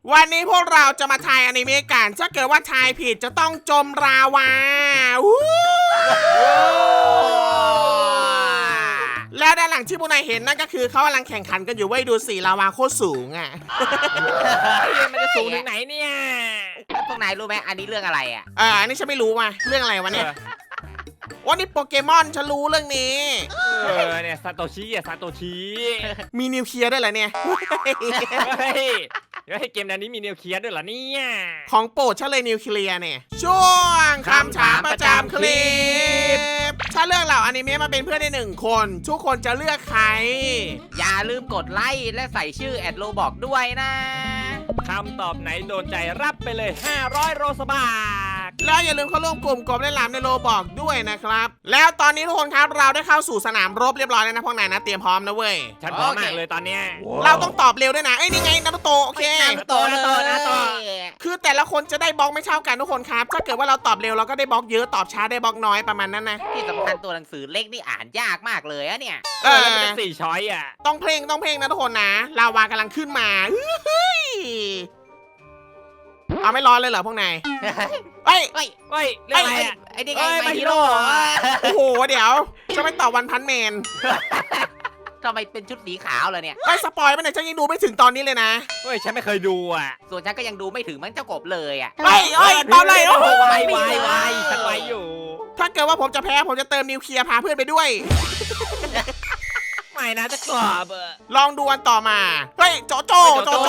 วันนี้พวกเราจะมาทายอนิเมะกันถ้าเกิดว่าทายผิดจะต้องจมราวาแล้วด้านหลังที่พวกนายเห็นนั่นก็คือเขากำลังแข่งขันกันอยู่เว้ยดูสิลาวาโคตรสูงอ่ะมันจะสูงถึงไหนเนี่ยพวกนายรู้ไหมอันนี้เรื่องอะไรอ่ะอันนี้ฉันไม่รู้ว่ะเรื่องอะไรวะเนี่ยว่านี่โปเกมอนฉันรู้เรื่องนี้เนี่ยซาโตชิอะซาโตชิมีนิวเคลียร์ด้วยเหรอเนี่ยเฮ้ยเกมนี้มีนิวเคลียร์ด้วยเหรอเนี่ยของโปรดฉันเลยนิวเคลียร์เนี่ยช่วงคำถามประจำคลิปถ้าเลือกเหล่าอนิเมะมาเป็นเพื่อนได้1 คน ทุกคนจะเลือกใครอย่าลืมกดไลค์และใส่ชื่อแอดโลบอกด้วยนะคำตอบไหนโดนใจรับไปเลย500โรสบาทแล้วอย่าลืมเข้าร่วมกลุ่มกบเล่นหลามในโลบอกด้วยนะครับแล้วตอนนี้ทุกคนครับเราได้เข้าสู่สนามรบเรียบร้อยแล้วนะพวกนายนะเตรียมพร้อมนะเว้ยฉันพร้อมมากเลยตอนเนี้ยเราต้องตอบเร็วด้วยนะเอ้ยนี่ไงนารุโตะโอเคโตเลยคือแต่ละคนจะได้บล็อกไม่เท่ากันทุกคนครับถ้าเกิดว่าเราตอบเร็วเราก็ได้บล็อกเยอะตอบช้าได้บล็อกน้อยประมาณนั้นนะที่สำคัญตัวหนังสือเล็กนี่อ่านยากมากเลยอะเนี่ยแล้วมันเป็น4ช้อยอ่ะต้องเพลงนะทุกคนนะลาวากำลังขึ้นมาเฮ้ยเอาไม่ร้อนเลยเหรอพวกนายเอ้ยเฮ้ยเฮ้ยเรื่องอะไรอ่ะไอ้นี่ไงเอ้ยไม My ฮิ Hero โร่โอ้โหเดี๋ยวจะไม่ตอบวันพันแมนทำไมเป็นชุดสีขาวเลยเนี่ยไอ้สปอยล์มันไหนฉันยังดูไม่ถึงตอนนี้เลยนะเฮ้ยฉันไม่เคยดูอ่ะส่วนฉันก็ยังดูไม่ถึงมันเจ้ากบเลยอ่ะเอ้ยตอบเลยโอ้โหวายฉันไวอยู่ถ้าเกิดว่าผมจะแพ้ผมจะเติมนิวเคลียร์พาเพื่อนไปด้วยไม่นะจะกรอบอ่ะลองดูอันต่อมาเฮ้ยโจโจ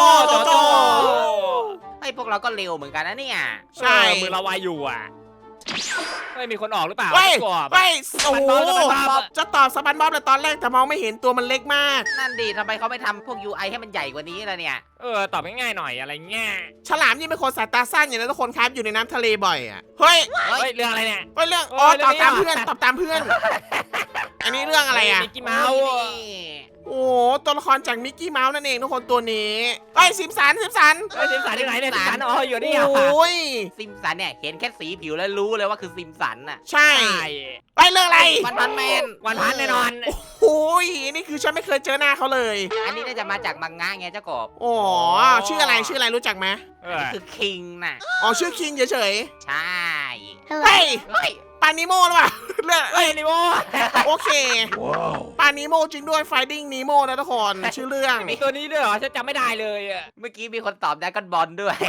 ไอ้พวกเราก็เร็วเหมือนกันนะเนี่ยใช่มือเราไวอยู่อ่ะเฮ้ยมีคนออกหรือเปล่าเฮ้ยจะกรอบเฮ้ยโอ้โหบ๊อบจะตอบสปันบ๊อบเลยตอนแรกแต่มองไม่เห็นตัวมันเล็กมากนั่นดีทำไมเขาไม่ทำพวก UI ให้มันใหญ่กว่านี้ล่ะเนี่ยตอบง่ายๆหน่อยอะไรเงี้ยฉลามยิ่งเป็นคนสายตาสั้นอย่างนั้นทุกคนครับอยู่ในน้ำทะเลบ่อยอ่ะเฮ้ยเฮ้ยเรื่องอะไรเนี่ยเรื่องโอ้ยตอบตามเรื่องนี้เพื่อนตอบตามเพื่อน อันนี้เรื่องอะไรอ่ะมิกกี้เมาส์โอ้โหตัวละครจากมิกกี้เมาส์นั่นเองทุกคนตัวนี้เฮ้ยซิมสันเฮ้ยสิมสันที่ไหนเนี่ยสิมสันอ๋ออยู่นี่โอ้ยซิมสันเนี่ยเห็นแค่สีผิวแล้วรู้เลยว่าคือซิมสันน่ะใช่ใช่ไปเรื่องอะไรวันพันแมนวันพันแน่นอนโอ้ยนี่คือฉันไม่เคยเจอหน้าเขาเลยอันนี้น่าจะมาจากมังงะไงเจ้ากบอ๋อชื่ออะไรรู้จักไหมคือคิงน่ะอ๋อชื่อคิงเฉยใช่ๆเฮ้ยเฮ้ยปานิโมหรือเปล่าเรื่องเฮ้ยนิโมโอเคปานิโมจริงด้วย Finding Nemo นะทุกคนชื่อเรื่องมีตัวนี้ด้วยเหรอฉันจำไม่ได้เลยอ่ะเมื่อกี้มีคนตอบดราก้อนบอลด้วย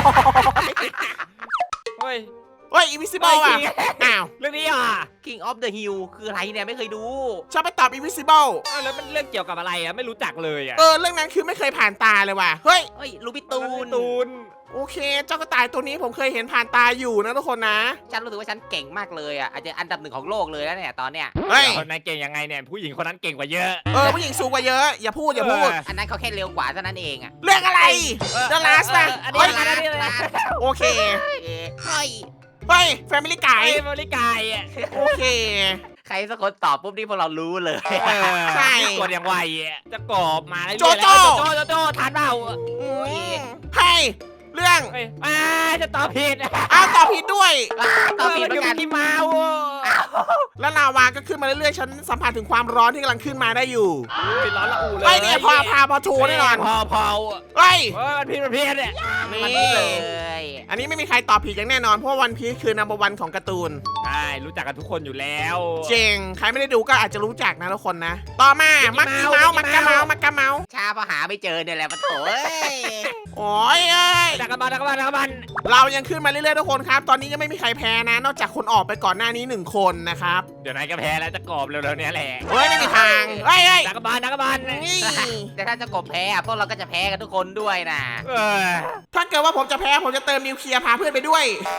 เฮ้ยเฮ้ย Invisible อ่ะอ้าวเรื่องนี้อ่ะ King of the Hill คืออะไรเนี่ยไม่เคยดูชอบไปตอบ Invisible แล้วมันเรื่องเกี่ยวกับอะไรอ่ะไม่รู้จักเลยอ่ะเรื่องนั้นคือไม่เคยผ่านตาเลยว่ะเฮ้ยเฮ้ยลูบิตูนตูนโอเค เจ้ากระต่ายตัวนี้ผมเคยเห็นผ่านตาอยู่นะทุกคนนะฉันรู้สึกว่าฉันเก่งมากเลยอ่ะอาจจะอันดับ1ของโลกเลยแล้วเนี่ยตอนเนี้ยเฮ้ยคนนั้นเก่งยังไงเนี่ยผู้หญิงคนนั้นเก่งกว่าเยอะผู้หญิงสูงกว่าเยอะ อย่าพูดอันนั้นเขาแค่เร็วกว่าเท่านั้นเองอ่ะเรื่องอะไร The Last นะอันเฮ้นี้ยอันนี้เลยโอเคเฮ้ยเฮ้ย Family ไก่ Guy บริกายอ่ะโอเคใครสักคนตอบปุ๊บนี่พวกเรารู้เลยใช่กดอย่างไวอ่ะจะกรอบมาเรื่อยๆโจโจ้โจทานเปล่าเฮ้ยเรื่องเฮ้ยจะตอบผิดอ้าวตอบผิดด้วยตอบผิดเหมือนกันมิกกี้เมาส์แล้วลาวาก็ขึ้นมาเรื่อยๆ ฉันสัมผัสถึงความร้อนที่กำลังขึ้นมาได้อยู่ร้อนละอูเลยเฮ้ยเนี่ยพอโชว์แน่นอนพอเฮ้ยมันผิดเนี่ยมันนี่เลยอันนี้ไม่มีใครตอบผิดอย่างแน่นอน เพราะว่าวันพีชคือนัมเบอร์วันของการ์ตูนใช่รู้จักกันทุกคนอยู่แล้วเจงใครไม่ได้ดูก็อาจจะรู้จักนะทุกคนนะ ต่อมามักกี้เมาส์มักกะเมาส์ชาพอหาไม่เจอเนี่ยแหละปะโถเอ้ยโอ้ยเอ้ยดักกระบันเรายังขึ้นมาเรื่อยๆทุกคนครับ ตอนนี้ยังไม่มีใครแพ้นะ นอกจากคนออกไปก่อนหน้านี้1 คนนะครับเดี๋ยวนายก็แพ้แล้วจะกรอบเร็วๆเนี้ยแหละเฮ้ยไม่มีทางเฮ้ยดักกระบันนี่แต่ถ้าจะกบแพ้อะพวกเราก็จะแพ้กันทุกคนด้วยนะถ้าเกิดว่าผมจะแพ้ผมจะเติมนิวเคลียร์พาเพื่อนไปด้วย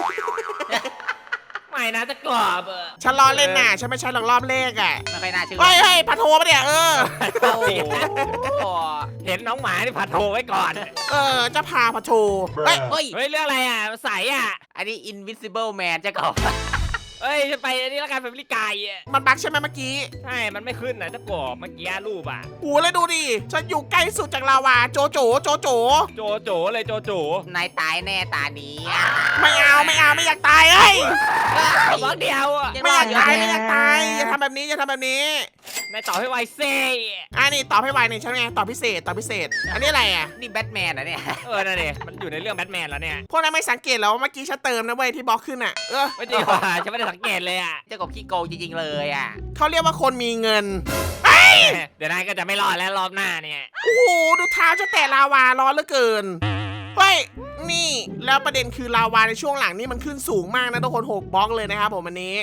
ไม่นะจะกรอบฉันล้อเล่นน่ะฉันไม่ใช่หรอกรอบเลขอ่ะไม่ค่อยน่าเชื่อเฮ้ยพาโทรปะเนี่ยโอ้เห็นน้องหมาที่ผัดโทไว้ก่อนจะพาพาโทรเฮ้ยเฮ้ยเฮ้ยเรื่องอะไรอ่ะใสอ่ะอันนี้ Invisible Man จะกบเฮ้ยจะไปนี่ละกันแฟมิลี่กายอ่ะมันบั๊กใช่ไหมเมื่อกี้ใช่มันไม่ขึ้นนะจะกรอบเมื่อกี้รูปอ่ะโอ้แล้วดูดิฉันอยู่ใกล้สุดจากลาวาโจโจโจเลยโจนายตายแน่ตานี้ไม่อยากตายเฮ้ยบล็อกเดียวอ่ะไม่อยากตายอย่าทำแบบนี้นายตอบให้ไวเซ่นี่ตอบให้ไวหน่อยใช่ไหมตอบพิเศษตอบพิเศษ อันนี้อะไรอ่ะนี่แบทแมนนะเนี่ยนั่นดิมันอยู่ในเรื่องแบทแมนแล้วเนี่ยพวกนั้นไม่สังเกตแล้วว่าเมื่อกี้ฉันเติมนะเว้ยที่บล็อกขึ้นอ่ะไม่จริงว่ะฉันไม่ได้สังเกตเลยอ่ะเจ้ากบขี้โกงจริงๆเลยอ่ะเขาเรียกว่าคนมีเงินเดี๋ยวนายก็จะไม่รอดแล้วรอบหน้าเนี่ยโอ้โหดูเท้าจะแตะลาวาร้อนเหลือเกินเฮ้ยนี่แล้วประเด็นคือลาวาในช่วงหลังนี่มันขึ้นสูงมากนะทุกคน6บล็อกเลยนะครับผมอันนี้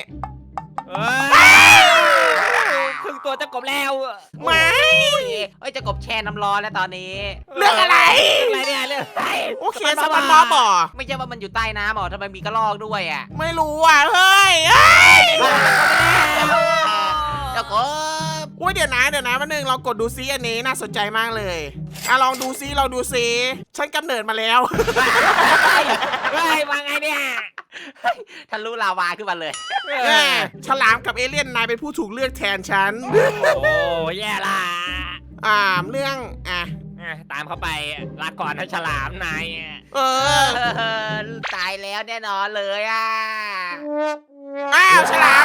ครึ่งตัวจะกบแล้วไม่เอ้ยเจ้ากบแช่น้ำร้อนแล้วตอนนี้เรื่องอะไรอะไรเนี่ยเรื่องอะไรโอเคสปันบอบ่อไม่ใช่ว่ามันอยู่ใต้น้ำหรอทำไมมีกระรอกด้วยอ่ะไม่รู้อ่ะเฮ้ยเจ้ากบอุ้ยเดี๋ยวนะวันหนึ่งเรากดดูซิอันนี้น่าสนใจมากเลยลองดูซิฉันกำเนิดมาแล้วเฮ้ยมาไงเนี่ยทะลุลาวาขึ้นมาเลยฉลามกับเอเลี่ยนนายเป็นผู้ถูกเลือกแทนฉันโอ้แย่ละเรื่องตามเข้าไปลาก่อนนะฉลามนายตายแล้วแน่นอนเลยอ่ะอ้าวฉลาม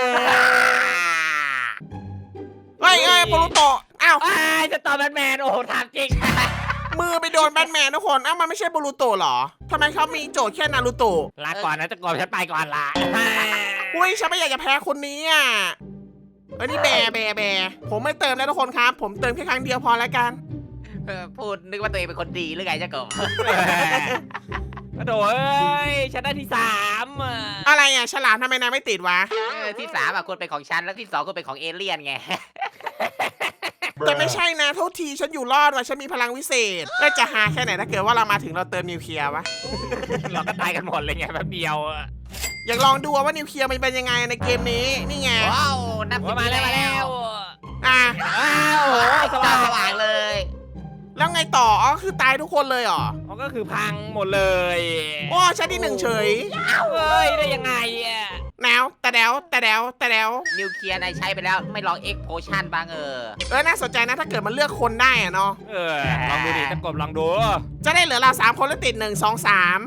เฮ้ยโปรุโตะอ้าวจะตอบแบทแมนโอ้โหถามจริงมือไปโดนแบทแมนทุกคนมันไม่ใช่โปรุโตะหรอทำไมเขามีโจทย์แค่นารูโตะลาก่อนนะจะกบฉันไปก่อนละอุ้ยฉันไม่อยากจะแพ้คนนี้อ่ะนี่แบผมไม่เติมแล้วทุกคนครับ ผมเติมแค่ครั้งเดียวพอแล้วกันพูดนึกว่าตัวเองเป็นคนดีหรือไงเจ้ากบกระโดดเอ้ยฉันได้ที่3 อะไรฉลามทำไมนายไม่ติดวะที่3ควรเป็นของฉันแล้วที่2ควรเป็นของเอเลี่ยนไงแต่ไม่ใช่นะโทษทีฉันอยู่รอดว่ะฉันมีพลังวิเศษจะหาแค่ไหนถ้าเกิดว่าเรามาถึงเราเติมนิวเคลียร์วะเราก็ตายกันหมดเลยไงแป๊บเดียวอยากลองดูว่านิวเคลียร์มันเป็นยังไงในเกมนี้นี่ไงว้าวนับมาแล้วอ่ะอ้าวโอ้สจ้าว่างสว่างเลยแล้วไงต่อคือตายทุกคนเลยเหรอมันก็คือพังหมดเลยโอ้ฉันที่1เฉยเฮ้ยได้ยังไงอ่ะแนวแต่แดวนิวเคลียร์นายใช้ไปแล้วไม่ลองเอ็กโพชั่นบ้างน่าสนใจนะถ้าเกิดมันเลือกคนได้อะเนาะลองดูดิจะกบลองดูจะได้เหลือเรา3คนแล้วติด1 2 3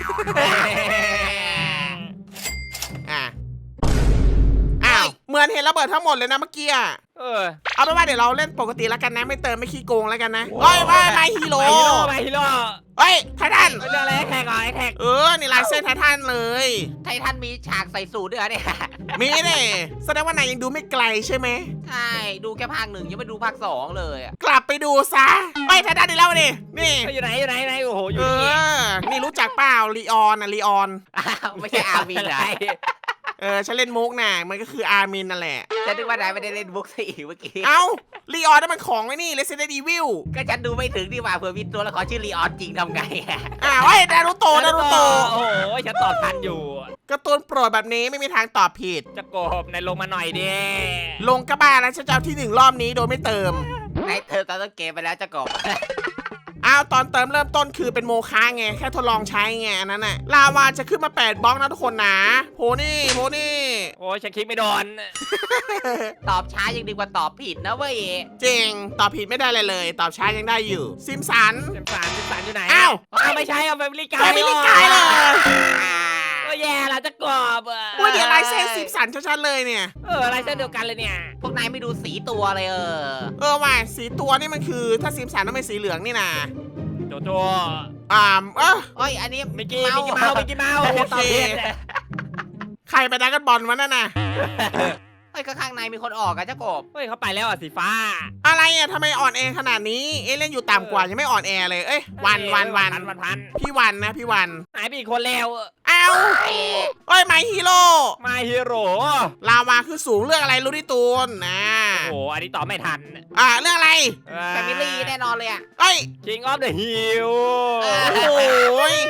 อ้าวเหมือนเห็นระเบิดทั้งหมดเลยนะเมื่อกี้เอาเป็นว่าเดี๋ยวเราเล่นปกติแล้วกันนะไม่เติมไม่ขี้โกงแล้วกันนะเฮ้ยมาฮีโร่มาฮีโร่เฮ้ยไททันเรื่องอะไรแท็กไอ้แท็กนี่ลายเส้นไททันเลยไททันมีฉากใส่สูทด้วยเนี่ยมีเนี่ยแสดงว่านายยังดูไม่ไกลใช่ไหมใช่ดูแค่ภาค 1ยังไม่ดูภาค 2เลยอะกลับไปดูซะไไททันดีแล้วดินี่อยู่ไหนโอ้โหอยู่นี่นี่รู้จักเปล่าลีออนลีออนไม่ใช่อาร์มินเหรอฉันเล่นมุกน่ะมันก็คืออาร์มินนั่นแหละฉันนึกว่านายไม่ได้เล่นบุ๊กสี่เมื่อกี้เอ้าลีออนนั่นมันของไอ้นี่ Resident Evil ก็ฉันดูไม่ถึงดีกว่าเผื่อมีตัวละครชื่อลีออนจริงทำไงอะนารูโตะโอ้โหฉันตอบทันอยู่การ์ตูนโปรดแบบนี้ไม่มีทางตอบผิดจะกบในลงมาหน่อยดิลงกระบาแล้วฉันจะเอาที่1รอบนี้โดยไม่เติมนายเธอตอนต้นเกมไปแล้วจะกบตอนเติมเริ่มต้นคือเป็นโมฆะไงแค่ทดลองใช้ไงอันนั้นน่ะลาวาจะขึ้นมา8บล็อกนะทุกคนนะโพนี่โอ้ยฉันคิดไม่โดนตอบช้ายังดีกว่าตอบผิดนะเว้ยจริงตอบผิดไม่ได้เลย ตอบช้ายังได้อยู่ซิมสันเต็มสารอยู่ไหนอ้าวไม่ใช่เอาแฟมิลี่กาย Family Guy เลยก็แย่ละจะกบอุ้ยเดี๋ยวลายเส้นซิมสันชัดๆเลยเนี่ยลายเส้นเดียวกันเลยเนี่ยพวกนายไม่ดูสีตัวเลยว่าสีตัวนี่มันคือถ้าซิมสันต้องเป็นสีเหลืองนี่นะโจโจโอ้ยอันนี้มิกกี้เมาส์โอเค ใครไปดักกันบอลวะนั่นน่ะเฮ้ยก็ข้างในมีคนออกอะเจ้ากบเฮ้ยเขาไปแล้วสีฟ้าอะไรทำไมอ่อนแอขนาดนี้เอเล่นอยู่ต่ำกว่ายังไม่อ่อนแอเลยวันพี่วันนะพี่วันหายไปอีกคนแล้วอ้าวไมฮีโร่มาฮีโร่ลาวาคือสูงเรื่องอะไรรู้ดิตูนนะโอ้อันนี้ตอบไม่ทันเรื่องอะไรแฟมิลี่แน่นอนเลยอะ King of the Hill โอ้ย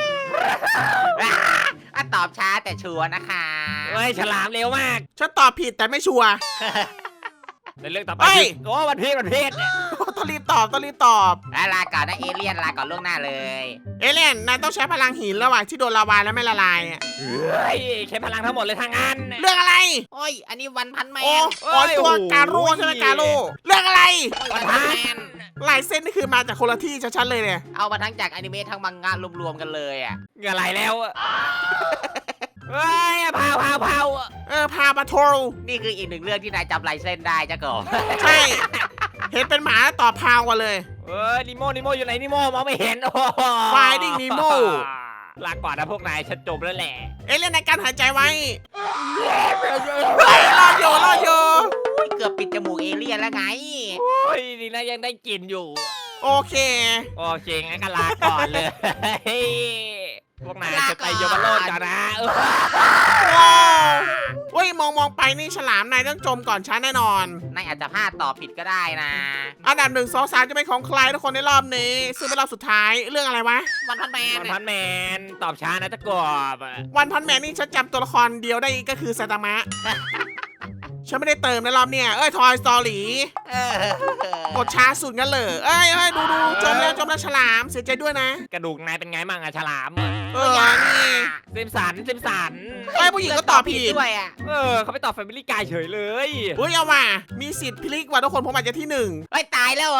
ตอบช้าแต่ชัวร์นะคะเฮ้ยฉลามเร็วมากฉันตอบผิดแต่ไม่ชัวร์ในเรื่องต่อไปโอ้วันพีชต้องรีบตอบลาก่อนนะเอเลี่ยนลาก่อนล่วงหน้าเลยเอเลี่ยนนายต้องใช้พลังหินระหว่างที่โดนลาวาแล้วไม่ละลายเฮ้ยใช้พลังทั้งหมดเลยทางนั้นเรื่องอะไรโอ้ยอันนี้วันพันแมนตัวการูใช่ไหมการูเรื่องอะไรวันพันแมนลายเส้นนี่คือมาจากคนละที่ชัดๆเลยเนี่ยเอามาทั้งจากอนิเมะทั้งมังงะรวมๆกันเลยอะเงอะไรแล้วเฮ้ยเผาพาปาโทรนี่คืออีกหนึ่งเรื่องที่นายจำลายเส้นได้เจ้ากบใช่ เห็นเป็นหมาแล้วตอบพาวกันเลยเฮ้ยนิโมอยู่ไหนนิโมมองไม่เห็นโอ้โห Finding Nemo ลาก่อนนะพวกนายฉันจบแล้วแหละเล่นในการหายใจไว้เฮ้ยรอดอยู่อุ๊ยเกือบปิดจมูกเอเลี่ยนแล้วไงโอ้ยดีนะยังได้กลิ่นอยู่โอเคโอเคงั้นก็ลาก่อนเลยพวกนายจะไปโยมโลดกันนะเออว้าวเฮ้ยมองไปนี่ฉลามนายต้องจมก่อนฉันแน่นอนนายอาจจะพลาดตอบผิดก็ได้นะอันดับ1 2 3จะเป็นของใครทุกคนในรอบนี้ ซึ่งเป็นรอบสุดท้ายเรื่องอะไรวะวันพันแมนพันแมนตอบช้านะจะกบวันพันแมนนี่ฉันจำตัวละครเดียวได้ก็คือไซตามะ ฉันไม่ได้เติมในรอบเนี่ยทอยสตอรี่ กดช้าสุดงั้นเลยดูจมแล้วฉลามเสียใจด้วยนะกระดูกนายเป็นไงมั่งอะฉลามนี่ซิมสันผู้หญิงก็ตอบผิดด้วยอ่ะเขาไปตอบแฟมิลี่กายเฉยเลยเฮ้ยเอาว่ะมีสิทธิ์พลิกว่ะทุกคนผมอาจจะที่เฮ้ยตายแล้ว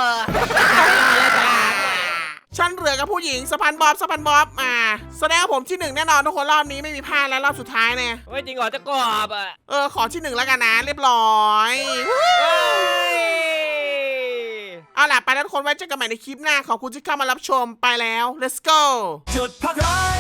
ฉันเหลือกับผู้หญิงสะพานบ๊อบแสดงว่าผมที่ 1แน่นอนทุกคนรอบนี้ไม่มีพลาดแล้วรอบสุดท้ายเนี่ยเฮ้ยจริงเหรอจะกบอะขอที่ 1แล้วกันนะเรียบร้อย เอาล่ะไปแล้วทุกคนไว้เจอกันใหม่ในคลิปหน้าขอบคุณที่เข้ามารับชมไปแล้ว let's go จุดพักร้อน